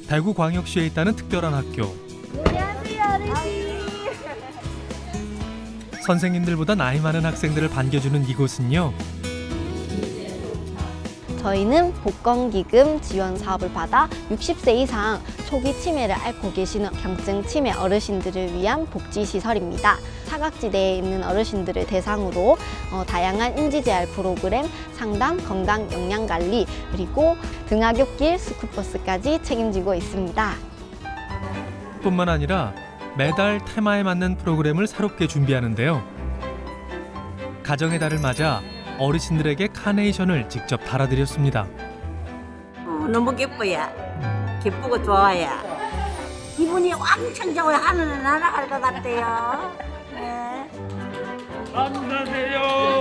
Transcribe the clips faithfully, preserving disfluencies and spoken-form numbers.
대구광역시에 있다는 특별한 학교. 안녕하세요, 어르신. 선생님들보다 나이 많은 학생들을 반겨주는 이곳은요. 저희는 복권기금 지원 사업을 받아 육십 세 이상 초기 치매를 앓고 계시는 경증 치매 어르신들을 위한 복지시설입니다. 사각지대에 있는 어르신들을 대상으로 어, 다양한 인지재활 프로그램, 상담, 건강 영양관리, 그리고 등하굣길, 스쿨버스까지 책임지고 있습니다. 뿐만 아니라 매달 테마에 맞는 프로그램을 새롭게 준비하는데요. 가정의 달을 맞아 어르신들에게 카네이션을 직접 달아드렸습니다. 어, 너무 기뻐요. 기쁘고 좋아요. 기분이 왕창 좋아요. 하늘을 날아갈 것 같아요. 네. 감사해요.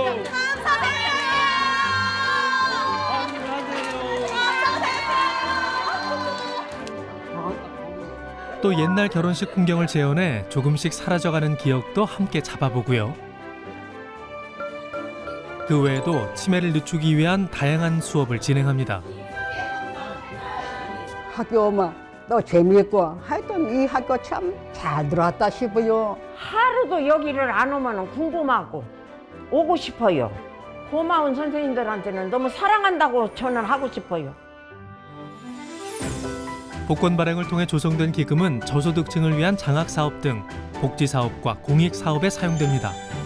또 옛날 결혼식 풍경을 재현해 조금씩 사라져가는 기억도 함께 잡아보고요. 그 외에도 치매를 늦추기 위한 다양한 수업을 진행합니다. 학교 오면 또 재미있고 하여튼 이 학교 참 잘 들어왔다 싶어요. 하루도 여기를 안 오면 궁금하고 오고 싶어요. 고마운 선생님들한테는 너무 사랑한다고 저는 하고 싶어요. 복권 발행을 통해 조성된 기금은 저소득층을 위한 장학사업 등 복지사업과 공익사업에 사용됩니다.